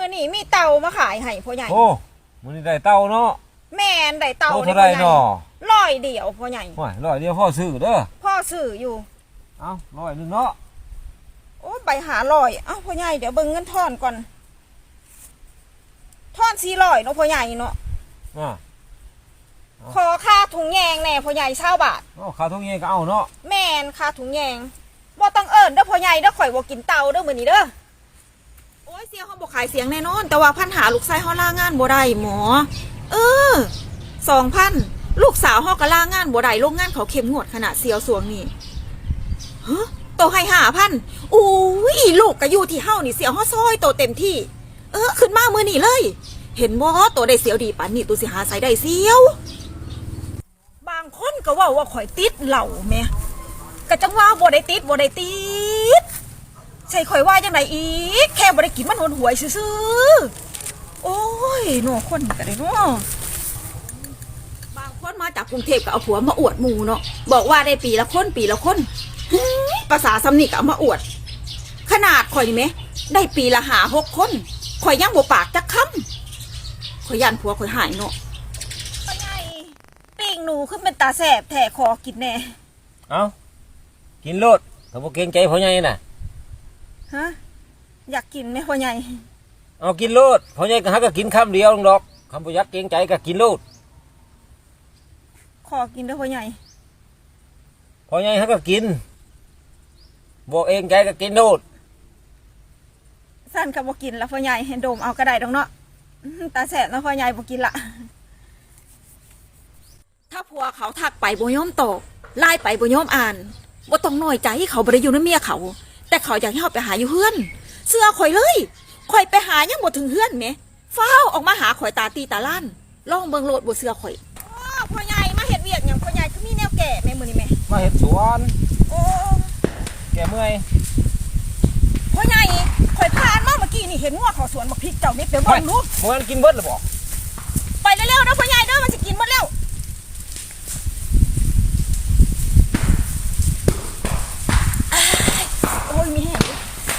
นี้มีเต่ามาขายให้พ่อใหญ่โอ้มื้อนี้ได้เต่าเนาะแม่นได้เต่าเท่าไรเนาะ 100เดียวพ่อใหญ่โอ้ย100เดียวพ่อซื้อเด้อพ่อซื้ออยู่เอ้า100นึงเนาะโอ้ใบหา100เอ้าพ่อใหญ่เดี๋ยวเบิ่งเงินทอนก่อนทอน400เนาะพ่อใหญ่เนาะขอค่าถุงแยงแน่พ่อใหญ่20 บาทอ๋อค่าถุงแยงก็เอาเนาะแม่นค่าถุงแยงบ่ต้องเอิ้นเด้อพ่อใหญ่เด้อข่อยบ่กินเต่าเด้อมื้อนี้เด้อโอ้ยเสียงเฮาบ่ขายเสียงแน่นอนแต่ว่าพันหาลูกชายเฮาลางานบ่ได้หมอ2,000ลูกสาวเฮาก็ลางานบ่ได้โรงงานเขาเข้มงวดขนาดเสียวสวงนี่ฮะโตให้5,000อุ้ยลูกก็อยู่ที่เฮานี่เสียวเฮาซอยโตเต็มที่ขึ้นมามื้อนี้เลยเห็นบ่โตได้เสียวดีปานนี้ตูสิหาใส่ได้เสียวบางคนก็ว่าข่อยติดเหล้าแม่ก็จังว่าบ่ได้ติดใช่ข่อยว่าจังไดอีกแค่บ่ได้กินมันหวยซื่อๆโอ้ยหนอคนก็ได้เนาะบางคนมาจากกรุงเทพก็เอาผัวมาอวดหมู่เนาะบอกว่าได้ปีละคนภาษาสำนีก็เอามาอวดขนาดข่อยนี่แม่ได้ปีละ5-6 คนข่อยยังบ่ปากจักคำข่อยย่านผัวข่อยหายเนาะป้าใหญ่ปิ้งหนูขึ้นเป็นตาแสบแท้ขอกินแน่เอ้ากินโลดถ้าบ่เกรงใจพ่อใหญ่น่ะฮะอยากกินไหมพ่อใหญ่เอากินโลดพ่อใหญ่ก็หาก็กินคำเดียวดอกคำบ่อยากเกรงใจก็กินโลดขอกินด้วยพ่อใหญ่พ่อใหญ่หาก็กินบ่เองใจก็กินโลดสั้นกับบ่กินแล้วพ่อใหญ่เห็นโดมเอากระไดดอกเนาะตาแสบแล้วพ่อใหญ่บ่กินละถ้าผัวเขาทักไปบ่ยอมตอบไล่ไปบ่ยอมอ่านบ่ต้องน้อยใจเขาบ่ได้อยู่ในเมียเขาแต่เขาอยากให้เขาไปหาอยู่เฮือนเสื้อข่อยเลยข่อยไปหายังบ่ถึงเฮือนแหมฟ้าวออกมาหาข่อยตาตีตาล้านลองเบิ่งโลดบ่เสื้อข่อยพ่อใหญ่มาเฮ็ดเวียกหยังพ่อใหญ่คือมีแนวแก่แม่มื้อนี้แม่มาเฮ็ดสวนโอ้แกเมื่อยพ่อใหญ่ข่อยผ่านมาเมื่อกี้นี่เห็นงัวเขาสวนบักพริกเจ้านี่เดี๋ยวบ่รู้บ่งั้นกินเบิดแล้วบ่ไปเร็วๆนะพ่อใหญ่เด้อมันสิกินหมดแล้วโอ้ยมีแห้ง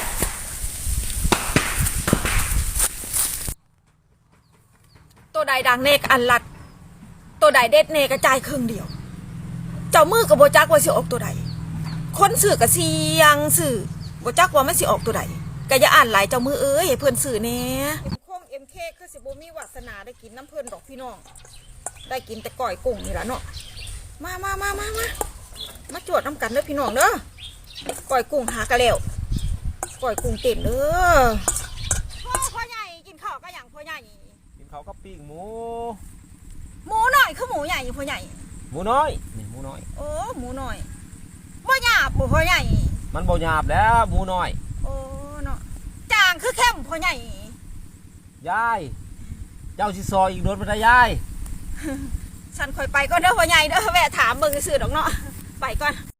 ตัวใดดังเนกอันลัดตัวใดเด็ดเนกระจายครึ่งเดียวเจ้ามือกับโบจักว่าสิออกตัวใดคนสื่อกับเสียงสื่อโบจักว่าไม่สิออกตัวใดก็อย่าอ่านหลายเจ้ามือให้เพื่อนสื่อแน่คมเอ็มเคคือสิบ่มีวาสนาได้กินน้ำเพื่อนดอกพี่น้องได้กินแต่ก่อยกุ้งนี่แหละเนาะมาจวดน้ำกันเด้อพี่น้องเด้อก่อยกุ้งหากระเลวก่อยกุ้งเต็มเด้อพ่อใหญ่กินข้าวก็อย่างพ่อใหญ่กินข้าวกับปิ้งหมูหน่อยคือหมูใหญ่พ่อใหญ่หมูน้อยนี่หมูน้อยโอ้หมูน้อยบ่หยาบบ่พ่อใหญ่มันบ่หยาบแล้วหมูน้อยโอ้เนาะจางคือเข้มพ่อใหญ่ยายเจ้าสิซอยอีกโดนบ่ได้ยายฉันค่อยไปก็เด้อพ่อใหญ่เด้อแวะถามเบิ่งซื่อดอกเนาะไปก่อน